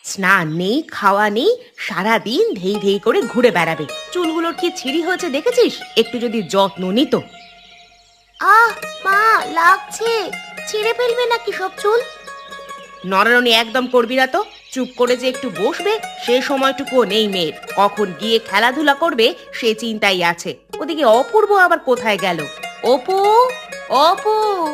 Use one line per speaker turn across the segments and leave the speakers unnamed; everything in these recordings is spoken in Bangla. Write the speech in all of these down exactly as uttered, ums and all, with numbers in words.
স্নান নেই, খাওয়া নেই, সারাদিন ধেই ধেই করে ঘুরে বেড়াবে। চুলগুলোর কি ছিঁড়ি হয়েছে দেখেছিস? একটু যদি যত্ন নিত।
আহ মা, লাগছে। ছিঁড়ে ফেলবে নাকি সব চুল?
নড়ানড়ি একদম করবি না তো। চুপ করে যে একটু বসবে সে সময়টুকুও নেই মেয়ের। কখন গিয়ে খেলাধুলা করবে সে চিন্তাই আছে। ওদিকে অপূর্ব আবার কোথায় গেল? অপু, অপু।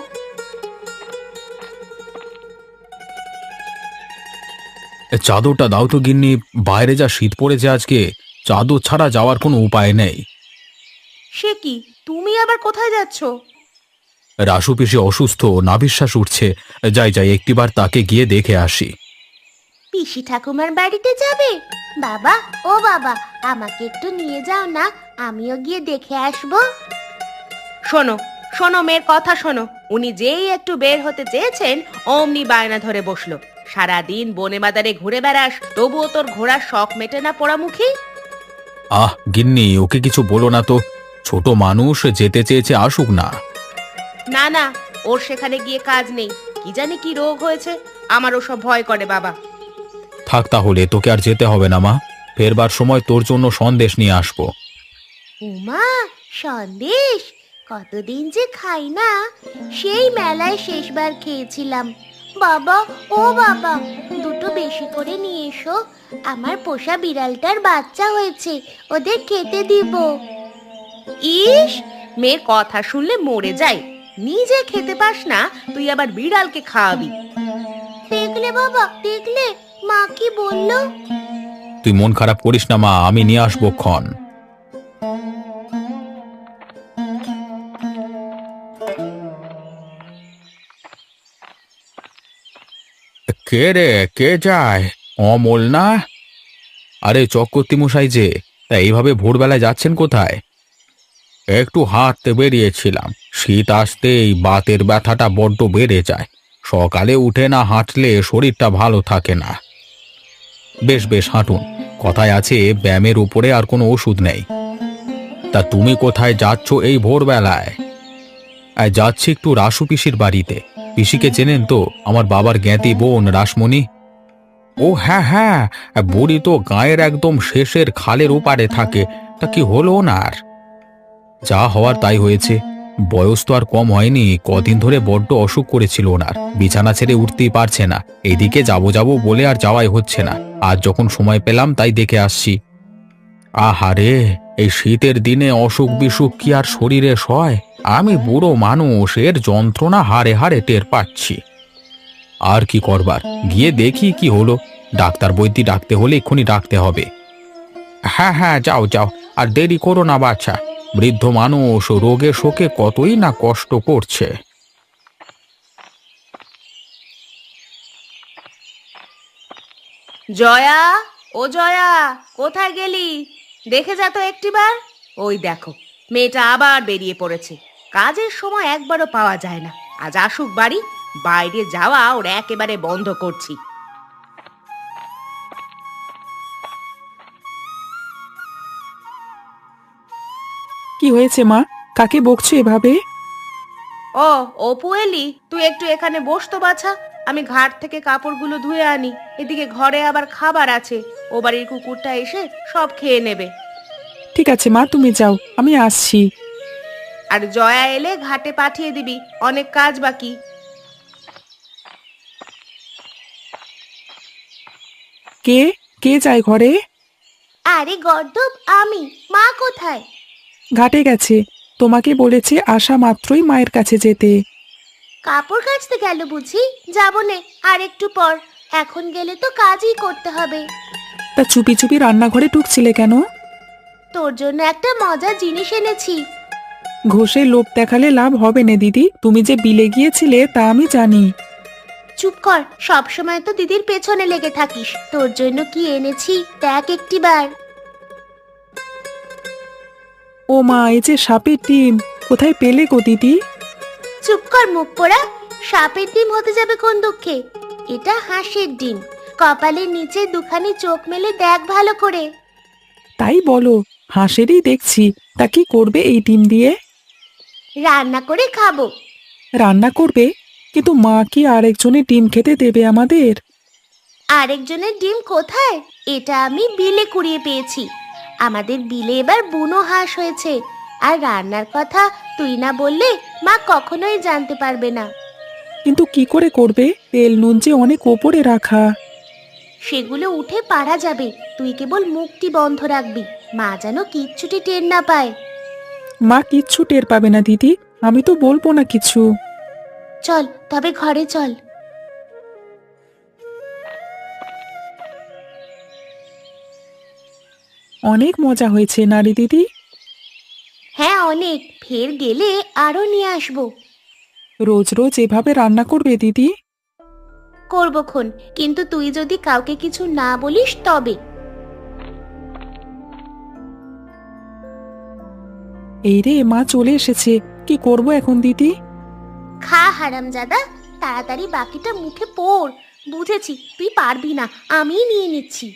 এ চাদরটা দাও তো গিন্নি। বাইরে যা শীত পড়েছে আজকে, চাদর ছাড়া যাওয়ার কোনো উপায় নেই।
সে কি, তুমি আবার কোথায় যাচ্ছ?
রাসু পিসি অসুস্থ, নাভিশ্বাস উঠছে। যাই যাই একটিবার তাকে গিয়ে দেখে আসি।
পিসি ঠাকুমার বাড়িতে যাবে? বাবা, ও বাবা, আমাকে একটু নিয়ে যাও না, আমিও গিয়ে দেখে আসবো।
শোনো, শোনো মেয়ের কথা শোনো। উনি যেই একটু বের হতে চেয়েছেন অমনি বায়না ধরে বসলো। সারাদিন বনে বাজারে ঘুরে বেড়াস, তবুও তোর ঘোড়ার শখ মেটে না পোড়ামুখী।
আহ গিন্নি, ওকে কিছু বলো না তো। ছোট মানুষ, যেতে চেয়েছে আসুক না।
না না, ওর সেখানে গিয়ে কাজ নেই। কি জানি কি রোগ হয়েছে, আমার ওসব ভয় করে বাবা।
থাক তাহলে, তোকে আর যেতে হবে না মা। ফেরবার সময় তোর জন্য সন্দেশ নিয়ে আসবো।
উমা, সন্দেশ! কতদিন যে খাই না। সেই মেলায় শেষবার খেয়েছিলাম। বাবা, ও বাবা, দুটো বেশি করে নিয়ে এসো। আমার পোষা বিড়ালটার বাচ্চা হয়েছে, ওদের খেতে দিব।
ইস, মেয়ের কথা শুনলে মরে যাই। নিজে খেতে পাস না, তুই আবার বিড়ালকে খাওয়াবি?
দেখলে বাবা, দেখলে মা কি বললো?
তুই মন খারাপ করিস না মা, আমি নিয়ে আসবো ক্ষণ। কে রে, কে যায়? অমল না? আরে চক্রবর্তী মশাই যে, তা এইভাবে ভোরবেলায় যাচ্ছেন কোথায়? একটু হাঁটতে বেরিয়েছিলাম। শীত আসতেই বাতের ব্যথাটা বড্ড বেড়ে যায়। সকালে উঠে না হাঁটলে শরীরটা ভালো থাকে না। বেশ বেশ হাঁটুন। কথায় আছে, ব্যায়ামের উপরে আর কোনো ওষুধ নেই। তা তুমি কোথায় যাচ্ছ এই ভোরবেলায়? আয়, যাচ্ছি একটু রাসু পিসির বাড়িতে। পিসিকে চেনেন তো, আমার বাবার জ্ঞাতি বোন রাসমণি। ও হ্যাঁ হ্যাঁ, বুড়ি তো গায়ের একদম শেষের খালের ওপারে থাকে। তা কি হলো ওনার? যা হওয়ার তাই হয়েছে। বয়স তো আর কম হয়নি, কদিন ধরে বড্ড অসুখ করেছিল ওনার। বিছানা ছেড়ে উঠতেই পারছে না। এইদিকে যাবো যাবো বলে আর যাওয়াই হচ্ছে না। আজ যখন সময় পেলাম তাই দেখে আসছি। আহারে, এই শীতের দিনে অসুখ বিসুখ কি আর শরীরে সয়? আমি বুড়ো মানুষ, এর যন্ত্রণা হাড়ে হাড়ে টের পাচ্ছি। আর কি করবার, গিয়ে দেখি কি হলো। ডাক্তার বৈদ্যি ডাকতে হলে এক্ষুনি ডাকতে হবে। হ্যাঁ হ্যাঁ, যাও যাও, আর দেরি করো না বাছা। বৃদ্ধ মানুষ রোগে শোকে কতই না কষ্ট করছে।
জয়া, ও জয়া, কোথায় গেলি? দেখে যা তো একটিবার। ওই দেখো, মেয়েটা আবার বেরিয়ে পড়েছে। কাজের সময় একবারও পাওয়া যায় না। আজ আসুক বাড়ি, বাইরে যাওয়া ওর একেবারে বন্ধ করছি।
কি হয়েছে মা? কাকে বকছো এভাবে?
ও, অপু এলি? তুই একটু এখানে বস তো বাছা। আমি ঘাট থেকে কাপড়গুলো ধুয়ে আনি। এদিকে ঘরে আবার খাবার আছে। ও বাড়ির কুকুরটা এসে সব খেয়ে নেবে।
ঠিক আছে মা, তুমি যাও, আমি আসছি।
আর জয়া এলে ঘাটে পাঠিয়ে দিবি, অনেক কাজ বাকি।
কে কে যায় ঘরে?
আরে গর্দব, আমি। মা কোথায়?
ঘাটে গেছে। তোমাকে বলেছে আসা মাত্রই মায়ের কাছে যেতে।
কাপড় কাচতে গেল বুঝি? যাবো নে, আর একটু পর। এখন গেলে তো কাজই করতে হবে।
তা চুপি চুপি রান্নাঘরে ঢুকছিলে কেন?
তোর জন্য একটা মজার জিনিস এনেছি।
ঘষে লোভ দেখালে লাভ হবে না দিদি, তুমি যে বিলে গিয়েছিলে তা আমি জানি।
চুপ কর, সব সময় তো দিদির পেছনে লেগে থাকিস। তোর জন্য কি এনেছি দেখ একটিবার।
ও মা, এই যে সাপের ডিম, কোথায় পেলে গো দিদি?
চুপ কর মুখ পোড়া। সাপের ডিম হতে যাবে কোন দুঃখে? এটা হাঁসের ডিম। কপালের নিচে দুখানি চোখ মেলে দেখ ভালো করে।
তাই বলো, হাঁসেরই দেখছি। তা কি করবে এই ডিম দিয়ে?
রান্না করে খাবো।
রান্না করবে? কিন্তু মা কি আরেকজনের ডিম খেতে দেবে আমাদের?
আরেকজনের ডিম কোথায়? এটা আমি বিলে কুড়িয়ে পেয়েছি। আমাদের বিলে এবার বুনো হাঁস হয়েছে। আর রান্নার কথা তুই না বললে মা কখনোই জানতে পারবে না।
কিন্তু কি করে করবে? তেল নুন যে অনেক ওপরে রাখা।
সেগুলো উঠে পারা যাবে, তুই কেবল মুখটি বন্ধ রাখবি, মা যেন কিচ্ছুটি টের না পায়।
মা কিচ্ছু টের পাবে না দিদি, আমি তো বলবো না কিছু।
চল তবে ঘরে চল।
অনেক মজা হয়েছে নারী দিদি।
হ্যাঁ অনেক, ফের গেলে আরো নিয়ে আসবো।
রোজ রোজ এভাবে রান্না করবে দিদি?
করবো খন, কিন্তু তুই যদি কাউকে কিছু না বলিস তবে।
এই রে, মা চলে এসেছে, কি করব এখন দিদি?
খা হারামজাদা, তাড়াতাড়ি বাকিটা মুখে পড়। বুঝেছি তুই পারবি না, আমিই নিয়ে নিচ্ছি।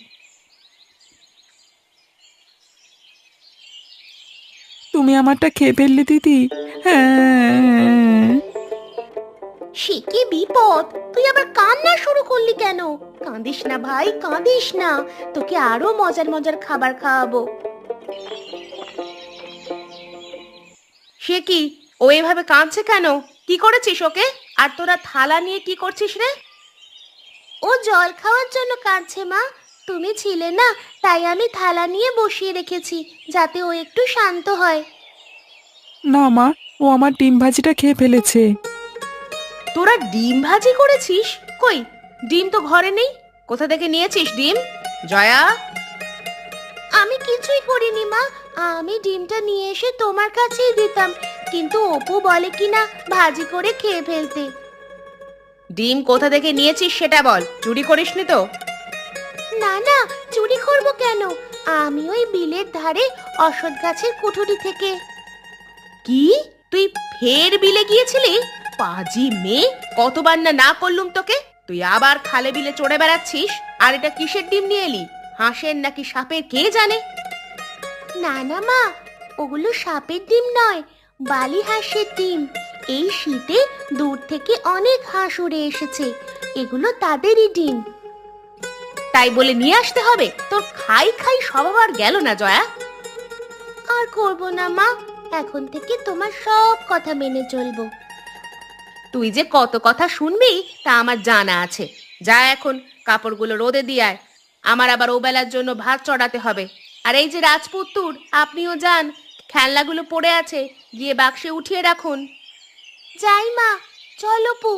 তুমি আমারটা খেয়ে ফেললে দিদি। হ্যাঁ।
সে কি বিপদ, তুই আবার কান্না শুরু করলি কেন? কাঁদিস না ভাই, কাঁদিস না, তোকে আরো মজার মজার খাবার খাওয়াবো।
সে কি, ও এভাবে কাঁদছে কেন? কি করেছিস ওকে? আর তোরা থালা নিয়ে কি করছিস রে?
ও জল খাওয়ার জন্য কাঁদছে মা, তুমি ছিলে না, তাই আমি থালা নিয়ে বসিয়ে রেখেছি যাতে ও একটু শান্ত হয়।
না মা, ও আমার ডিম ভাজিটা খেয়ে ফেলেছে।
তোরা ডিম ভাজি করেছিস? কই, ডিম তো ঘরে নেই। কোথা থেকে নিয়েছিস ডিম? জয়া,
আমি কিছুই করিনি মা, আমি ডিমটা নিয়ে এসে তোমার কাছেই দিতাম, কিন্তু অপু বলে কিনা ভাজি করে খেয়ে ফেলতে।
ডিম কোথা থেকে নিয়েছিস সেটা বল, চুরি করিসনি তো?
না না, চুরি করবো কেন, আমি ওই বিলের ধারে অশ্বত্থ গাছের কুঠুরি থেকে।
কি, তুই ফের বিলে গিয়েছিলি? পাজি মেয়ে, কতবার না না করলুম তোকে, তুই আবার খালে বিলে চড়ে বেড়াচ্ছিস। আর এটা কিসের ডিম নিয়ে এলি? হাঁসের নাকি সাপের কে জানে?
না না মা, ওগুলো সাপের ডিম নয়, বালি হাঁসের ডিম। এই শীতে দূর থেকে অনেক হাঁস উড়ে এসেছে, এগুলো তাদেরই ডিম।
তাই বলে নিয়ে আসতে হবে? তোর খাই খাই স্বভাব আর গেল না জয়া।
আর করবো না মা, এখন থেকে তোমার সব কথা মেনে চলবো।
তুই যে কত কথা শুনবি তা আমার জানা আছে। যা এখন কাপড়গুলো রোদে দিয়ে আয়, আমার আবার ওবেলার জন্য ভাত চড়াতে হবে। আর এই যে রাজপুত্তুর, আপনিও যান, খেলনাগুলো পড়ে আছে, গিয়ে বাক্সে উঠিয়ে রাখুন।
যাই মা, চলো পু।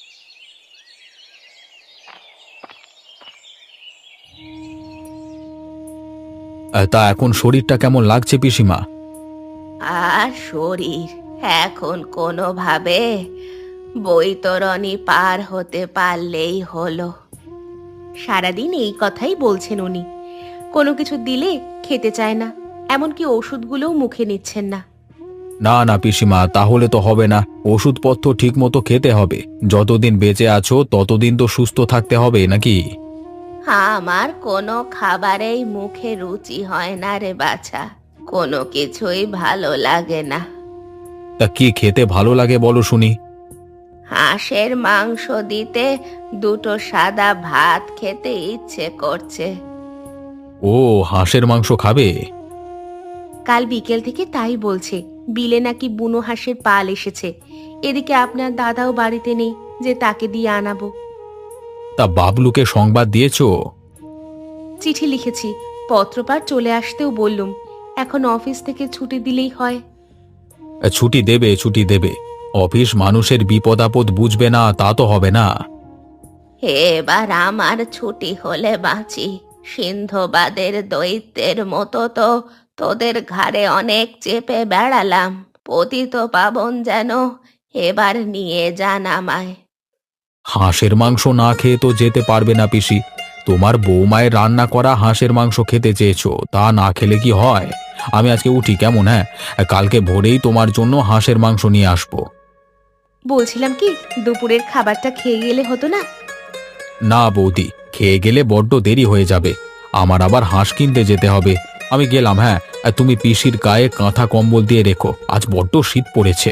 তা এখন শরীরটা কেমন লাগছে পিসিমা?
আর শরীর এখন কোনোভাবে বৈতরণী পার হতে পারলেই হলো। সারাদিন এই কথাই বলছেন উনি। কোনো কিছু দিলে খেতে চায় না, এমনকি ওষুধগুলোও মুখে নিচ্ছেন না।
না না পিসিমা, তাহলে তো হবে না। ওষুধপত্র ঠিক মতো খেতে হবে। যতদিন বেঁচে আছো ততদিন তো সুস্থ থাকতে হবে নাকি?
আমার কোনো খাবারেই মুখে রুচি হয় না রে বাছা, কোনো কিছুই ভালো লাগে না।
তা কি খেতে ভালো লাগে বলো শুনি?
হাঁসের মাংস দিতে দুটো সাদা ভাত খেতে ইচ্ছে করছে।
ও, হাঁসের মাংস খাবে?
কাল বিকেল থেকে তাই বলছে, বিলে নাকি বুনো হাঁসের পাল এসেছে। এদিকে আপনার দাদাও বাড়িতে নেই যে তাকে দিয়ে আনাবো।
তা বাবলুকে সংবাদ দিয়েছো?
চিঠি লিখেছি, পত্রপাঠ চলে আসতেও বললুম। এখন অফিস থেকে ছুটি দিলেই হয়।
ছুটি দেবে, ছুটি দেবে। অফিস মানুষের বিপদ আপদ বুঝবে না তা তো হবে না।
এবার আমার ছুটি হলে বাঁচি। সিন্ধবাদের দৈত্যের মতো তো তোদের ঘাড়ে অনেক চেপে বেড়ালাম। পতিত পাবন যেন এবার নিয়ে যান আমায়।
হাঁসের মাংস না খেয়ে তো যেতে পারবে না পিসি। তোমার বৌমায়ের রান্না করা হাঁসের মাংস খেতে চেয়েছো, তা না খেলে কি হয়? আমি আজকে উঠি কেমন? হ্যাঁ, কালকে ভোরেই তোমার জন্য হাঁসের মাংস নিয়ে আসবো।
বলছিলাম কি, দুপুরের খাবারটা খেয়ে গেলে হতো না?
না বৌদি, খেয়ে গেলে বড্ড দেরি হয়ে যাবে। আমার আবার হাঁস কিনতে যেতে হবে। আমি গেলাম। হ্যাঁ, তুমি পিসির গায়ে কাঁথা কম্বল দিয়ে রেখো, আজ বড্ড শীত পড়েছে।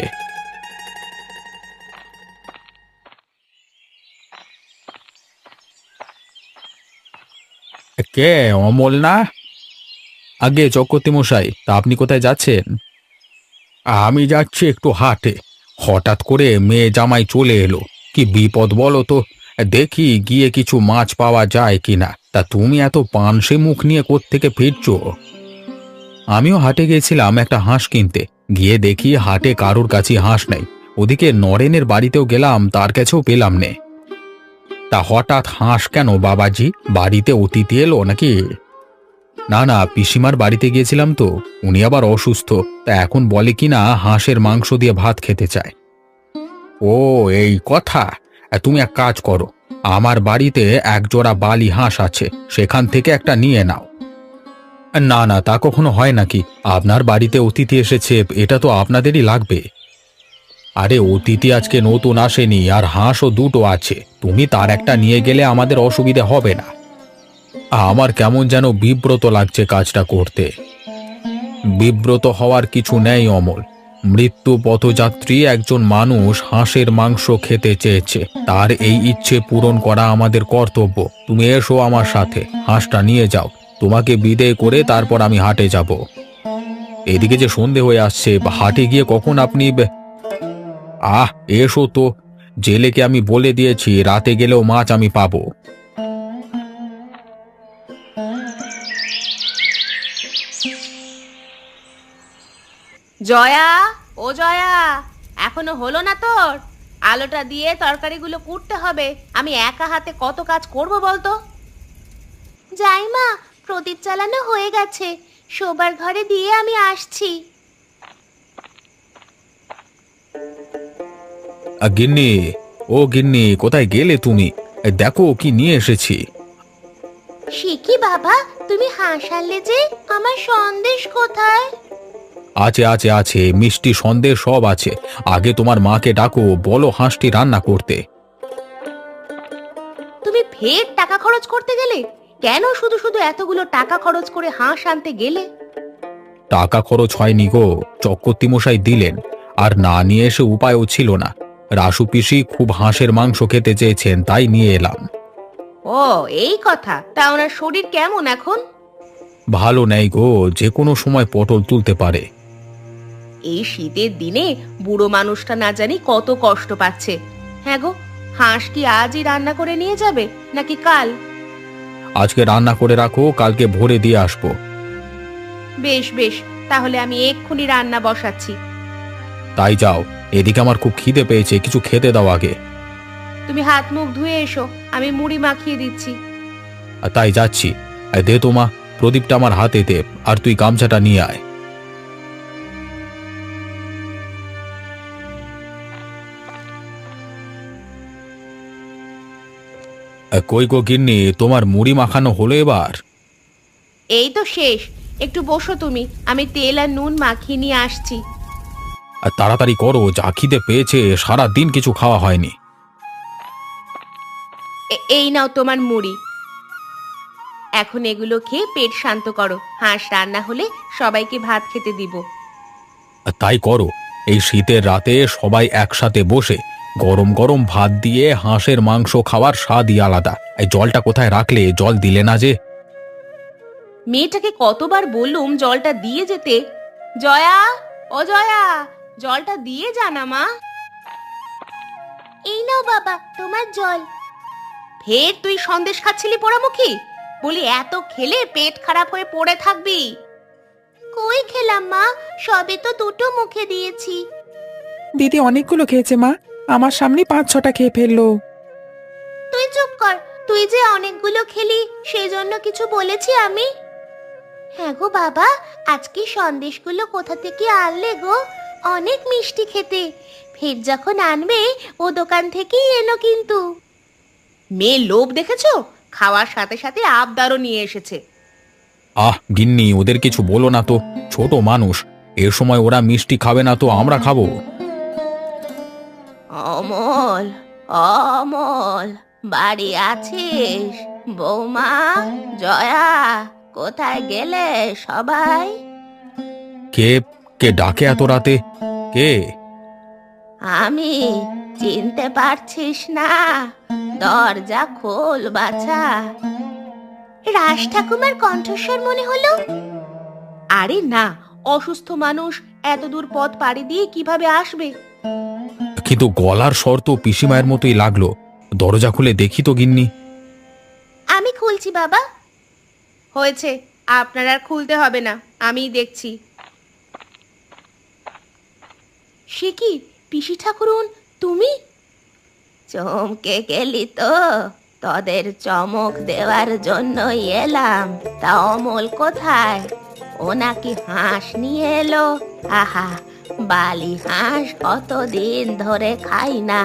কে, অমল না? আগে চক্রবর্তী মশাই, তা আপনি কোথায় যাচ্ছেন? আমি যাচ্ছি একটু হাটে। হঠাৎ করে মেয়ে জামাই চলে এলো, কি বিপদ বলো তো। দেখি গিয়ে কিছু মাছ পাওয়া যায় কিনা। তা তুমি এত পানসে মুখ নিয়ে কোত্থেকে ফিরছো? আমিও হাটে গেছিলাম একটা হাঁস কিনতে, গিয়ে দেখি হাটে কারোর কাছে হাঁস নেই। ওদিকে নরেনের বাড়িতেও গেলাম, তার কাছেও পেলাম নে। তা হঠাৎ হাঁস কেন বাবাজি? বাড়িতে অতিথি এলো নাকি? না না, পিসিমার বাড়িতে গিয়েছিলাম তো, উনি আবার অসুস্থ। তা এখন বলে কিনা হাঁসের মাংস দিয়ে ভাত খেতে চায়। ও, এই কথা। আ, তুমি এক কাজ করো, আমার বাড়িতে এক জোড়া বালি হাঁস আছে, সেখান থেকে একটা নিয়ে নাও। না না, তা কখনো হয় নাকি? আপনার বাড়িতে অতিথি এসেছে, এটা তো আপনাদেরই লাগবে। আরে অতিথি আজকে নতুন আসেনি, আর হাঁসও দুটো আছে, তুমি তার একটা নিয়ে গেলে আমাদের অসুবিধে হবে না। আমার কেমন যেন বিব্রত লাগছে কাজটা করতে। বিব্রত হওয়ার কিছু নেই অমল। মৃত্যু পথযাত্রী একজন মানুষ হাঁসের মাংস খেতে চেয়েছে, তার এই ইচ্ছে পূরণ করা আমাদের কর্তব্য। তুমি এসো আমার সাথে, হাঁসটা নিয়ে যাও। তোমাকে বিদেয় করে তারপর আমি হাটে যাব। এদিকে যে সন্ধে হয়ে আসছে, হাটে গিয়ে কখন আপনি বে- আহ, এসো তো। জেলেকে আমি বলে দিয়েছি রাতে গেলেও মাছ আমি পাবো।
জয়া, ও জয়া, এখনো হলো না তোর? আলোটা দিয়ে তরকারিগুলো কুটতে হবে। আমি একা হাতে কত কাজ করব বলতো?
যাই মা, প্রদীপ জ্বালানো হয়ে গেছে, শোবার ঘরে দিয়ে আমি আসছি।
আ, গিন্নি, ও গিন্নি, কোথায় গেলে তুমি? এ, দেখো কি নিয়ে এসেছি।
সে কি বাবা, তুমি হাঁস আনলে যে, আমার সন্দেশ কোথায়?
আছে আছে আছে, মিষ্টি সন্দেশ সব আছে। আগে তোমার মাকে ডাকো, বলো হাঁসটি রান্না করতে।
তুমি ফের টাকা খরচ করতে গেলে? কেন শুধু শুধু এতগুলো টাকা খরচ করে হাঁস আনতে গেলে?
টাকা খরচ হয়নি গো, চক্রবর্তী মশাই দিলেন। আর না নিয়ে এসে উপায়ও ছিল না। রাসু পিসি খুব হাঁসের মাংস খেতে চেয়েছেন, তাই নিয়ে এলাম।
ও, এই কথা। তা ওনার শরীর কেমন এখন?
ভালো নেই গো, যে কোনো সময় পটল তুলতে পারে।
এই শীতের দিনে বুড়ো মানুষটা না জানি কত কষ্ট পাচ্ছে। হ্যাঁ গো, হাঁস কি আজই রান্না করে নিয়ে যাবে নাকি কাল?
আজকে রান্না করে রাখো, কালকে ভোরে দিয়ে আসবো।
বেশ বেশ, তাহলে আমি এক্ষুনি রান্না বসাচ্ছি।
তাই যাও, এদিকে আমার খুব খিদে পেয়েছে, কিছু খেতে দাও আগে।
তুমি হাত মুখ ধুয়ে এসো, আমি মুড়ি মাখিয়ে দিচ্ছি।
আর তাই যাচ্ছি। আর দে তো মা, প্রদীপটা আমার হাতে দে, আর তুই গামছাটা নিয়ে আয়। আ, কই গো গিন্নি, তোমার মুড়ি মাখানো হলো এবার?
এই তো শেষ। একটু বসো তুমি, আমি তেল আর নুন মাখিয়ে নিয়ে আসছি।
আর তাড়াতাড়ি করো, যা খিদে পেয়েছে, সারা দিন কিছু খাওয়া হয়নি।
এ- এই নাও তোমার মুড়ি। এখন এগুলো খেয়ে পেট শান্ত করো। হাঁস রান্না হলে সবাইকে ভাত খেতে দিব।
আর তাই করো। এই শীতের রাতে সবাই একসাথে বসে গরম গরম ভাত দিয়ে হাঁসের মাংস খাওয়ার স্বাদই আলাদা। এই জলটা কোথায় রাখলে? জল দিলে না যে।
মেয়েটাকে কতবার বললুম জলটা দিয়ে যেতে। জয়া, ও জয়া, জলটা দিয়ে জানা মা।
এই নাও বাবা, তোমার জল।
ফের তুই সন্দেশ খাচ্ছিলি পোড়ামুখী? বলি এত খেলে পেট খারাপ হয়ে পড়ে থাকবি।
কই খেলাম মা, সবে তো দুটো মুখে দিয়েছি।
দিদি অনেকগুলো খেয়েছে মা, আমার সামনে পাঁচ ছটা খেয়ে ফেললো।
তুই চুপ কর, তুই যে অনেকগুলো খেলি সেই জন্য কিছু বলেছি আমি? হ্যাঁ গো বাবা, আজকে সন্দেশগুলো কোথা থেকে আনলে গো? অনেক মিষ্টি খেতে। ফের যখন আনবে ও দোকান থেকেই এনো কিন্তু।
মেয়ে লোভ দেখেছো? খাওয়ার সাথে সাথে আবদারও নিয়ে এসেছে।
আহ গিন্নি, ওদের কিছু বলো না তো, ছোট মানুষ। এর সময় ওরা মিষ্টি খাবে না তো আমরা খাবো?
অমল, অমল, বাড়ি আছিস? বৌমা, জয়া, কোথায় গেলে সবাই?
কে কে ডাকে এত রাতে? কে?
আমি, চিনতে পারছিস না? দরজা খোল বাছা।
রাজ ঠাকুমার কণ্ঠস্বর মনে হলো।
আরে না, অসুস্থ মানুষ এত দূর পথ পাড়ি দিয়ে কিভাবে আসবে?
কিন্তু গলার স্বর তো পিসিমায়ের মতোই লাগলো। দরজা খুলে দেখি তো গিন্নি।
আমি খুলছি বাবা।
হয়েছে, আপনার আর খুলতে হবে না, আমিই দেখছি। সে কি পিসি ঠাকুরুন, তুমি?
চমকে গেলি তো? তোদের চমক দেওয়ার জন্যই এলাম। তা অমল কোথায়? ও নাকি হাঁস নিয়ে এলো। আহা, বালি হাঁস কতদিন ধরে খাই না।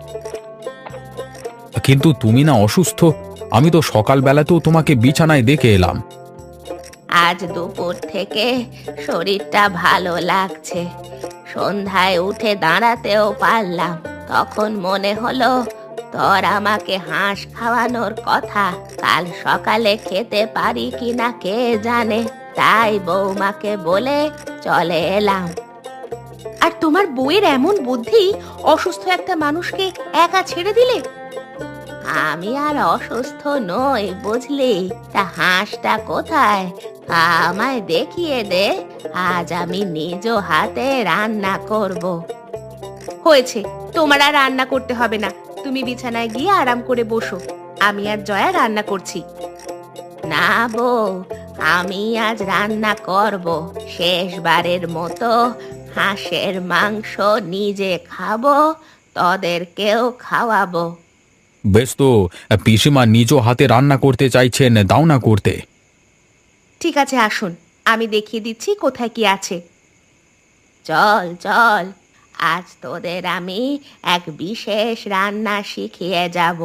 কিন্তু তুমি না অসুস্থ? আমি তো সকালবেলাতেও তোমাকে বিছানায় দেখে এলাম।
আজ দুপুর থেকে শরীরটা ভালো লাগছে। সন্ধ্যায় উঠে দাঁড়াতেও পারলাম। তখন মনে হলো তোর আমাকে হাঁস খাওয়ানোর কথা। কাল সকালে খেতে পারি কিনা কে জানে, তাই বৌমাকে বলে চলে এলাম।
আর তোমার বউয়ের এমন বুদ্ধি, অসুস্থ একটা মানুষকে একা ছেড়ে দিলে?
আমি আর অসুস্থ নই বুঝলি। তা হাঁসটা কোথায়? আমায় দেখিয়ে দে, আজ আমি নিজ হাতে রান্না করব।
হয়েছে, তোমার আর রান্না করতে হবে না। তুমি বিছানায় গিয়ে আরাম করে বসো, আমি আর জয়া রান্না করছি।
না বউ, আমি আজ রান্না করব। শেষবারের মতো হাঁসের মাংস নিজে খাবো, তোদেরকেও খাওয়াবো।
বেশ তো, পিসিমা নিজ হাতে রান্না করতে চাইছেন, দাও না করতে।
ঠিক আছে, আসুন, আমি দেখিয়ে দিচ্ছি কোথায় কি আছে।
চল চল, আজ তোদের আমি এক বিশেষ রান্না শিখিয়ে যাব।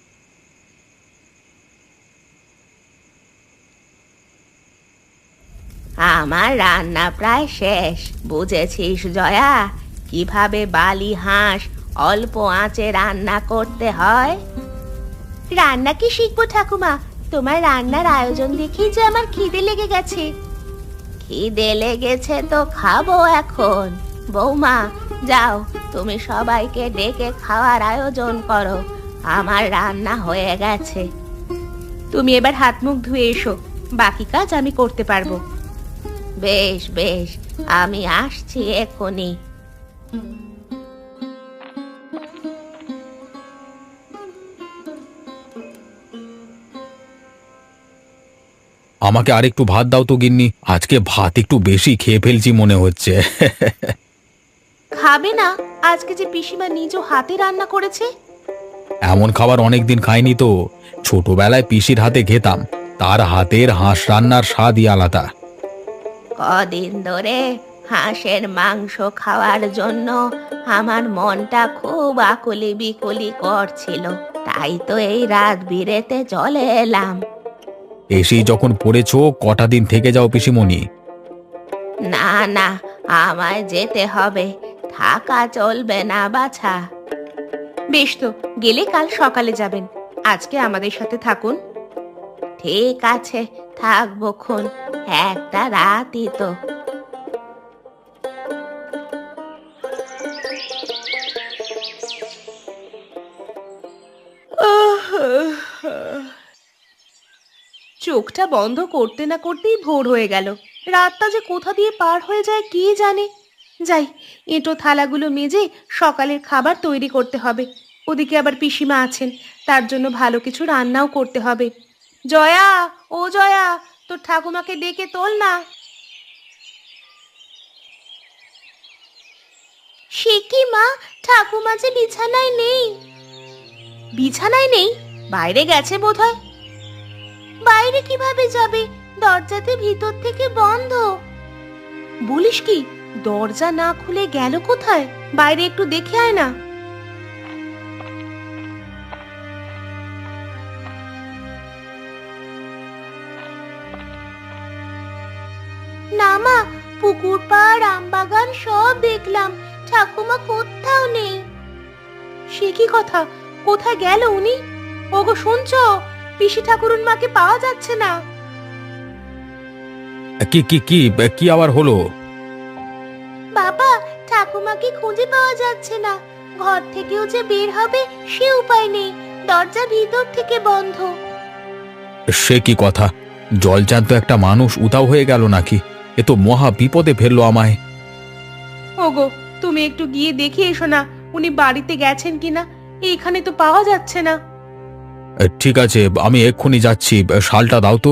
আমার রান্না প্রায় শেষ, বুঝেছিস জয়া? কিভাবে বালি হাঁস অল্প আঁচে রান্না করতে হয়। রান্না কি শিখবো ঠাকুমা? তোমার রান্নার আয়োজন দেখেই যে আমার খিদে লেগে গেছে। খিদে লেগেছে তো খাবো এখন। বৌমা, যাও তুমি সবাইকে ডেকে খাওয়ার আয়োজন করো। আমার রান্না হয়ে গেছে।
তুমি এবার হাত মুখ ধুয়ে এসো, বাকি কাজ আমি করতে পারবো।
বেশ বেশ, আমি আসছি এখনই।
আমাকে আর একটু ভাত দাও তো গিন্নি, আজকে ভাত একটু বেশি খেয়ে ফেলছি মনে হচ্ছে।
খাবে না? আজকে যে পিসিমা নিজ হাতে রান্না করেছে।
এমন খাবার অনেকদিন খাইনি তো। ছোটবেলায় পিসির হাতে খেতাম, তার হাতের হাঁস রান্নার স্বাদই আলাদা।
কদিন ধরে হাঁসের মাংস খাওয়ার জন্য আমার মনটা খুব আকুলি বিকুলি করছিল, তাই তো এই রাত বিরেতে চলে এলাম।
এসেই যখন পড়েছো, কটা দিন থেকে যাও পিসিমণি।
না না, আমায় যেতে হবে, থাকা চলবে না বাছা।
বেশ তো, গেলে কাল সকালে যাবেন, আজকে আমাদের সাথে থাকুন।
ঠিক আছে, থাকবো খন, একটা রাতই তো।
চোখটা বন্ধ করতে না করতেই ভোর হয়ে গেল। রাতটা যে কোথা দিয়ে পার হয়ে যায় কে জানে। যাই, এঁটো থালাগুলো মেজে সকালের খাবার তৈরি করতে হবে। ওদিকে আবার পিসিমা আছেন, তার জন্য ভালো কিছু রান্নাও করতে হবে। জয়া, ও জয়া, তোর ঠাকুমাকে ডেকে তোল না।
সে কি মা, ঠাকুমা যে বিছানায় নেই।
বিছানায় নেই? বাইরে গেছে বোধহয়।
বাইরে কিভাবে যাবে? দরজাতে ভিতর থেকে বন্ধ।
বলিস কি? দরজা না খুলে গেল কোথায়? বাইরে একটু দেখে আয় না।
না মা, পুকুর পাড় আমবাগান সব দেখলাম, ঠাকুমা কোথাও নেই।
সে কি কথা? কোথায় গেল উনি? ওগো শুনছো? পিসি ঠাকুরুন মাকে পাওয়া যাচ্ছে না।
কি কি কি কি আবার হলো?
বাবা, ঠাকুমাকে খুঁজে পাওয়া যাচ্ছে না। ঘর থেকেও যে বের হবে সে উপায় নেই, দরজা ভিতর থেকে বন্ধ।
সে কি কথা, জলজান্ত একটা মানুষ উধাও হয়ে গেল নাকি? এ তো মহা বিপদে ফেললো আমায়।
ওগো, তুমি একটু গিয়ে দেখে এসো না উনি বাড়িতে গেছেন কিনা। এইখানে তো পাওয়া যাচ্ছে না।
এ, ঠিক আছে, আমি এক্ষুনি যাচ্ছি, শালটা দাও তো।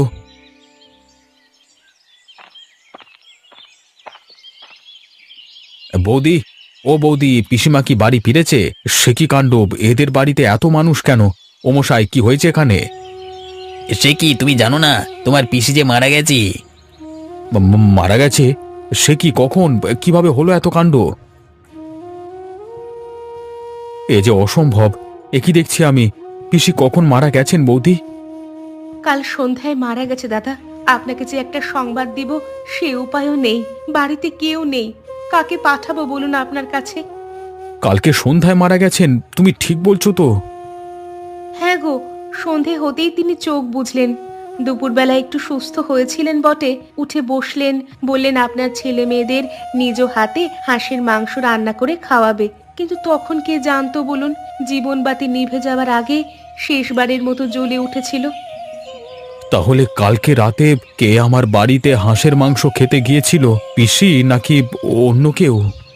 বৌদি, ও বৌদি, পিসিমা কি বাড়ি ফিরেছে? সে কি কাণ্ড, এদের বাড়িতে এত মানুষ কেন? ও মশাই, কি হয়েছে এখানে?
সে কি তুমি জানো না তোমার পিসি যে মারা গেছে?
ম- ম- মারা গেছে? সে কি, কখন, কিভাবে হলো এত কাণ্ড? এ যে অসম্ভব, এ কি দেখছি আমি? পিসি কখন মারা গেছেন বৌদি?
কাল সন্ধ্যায় মারা গেছে দাদা। আপনাকে যে একটা সংবাদ দিব সে উপায়ও নেই। বাড়িতে কেউ নেই, কাকে পাঠাবো বলুন আপনার কাছে?
কালকে সন্ধ্যায় মারা গেছেন? তুমি ঠিক বলছো তো?
হ্যাঁ গো, সন্ধে হতেই তিনি চোখ বুঝলেন। দুপুরবেলা একটু সুস্থ হয়েছিলেন বটে, উঠে বসলেন, বললেন আপনার ছেলে মেয়েদের নিজ হাতে হাঁসের মাংস রান্না করে খাওয়াবে। কিন্তু তখন কে জানতো বলুন, জীবনবাতি নিভে যাওয়ার আগে শেষবারের মতো জ্বলে উঠেছিল।
তাহলে কালকে রাতে কে আমার বাড়িতে হাঁসের মাংস খেতে গিয়েছিল? পিসি নাকি অন্য কেউ?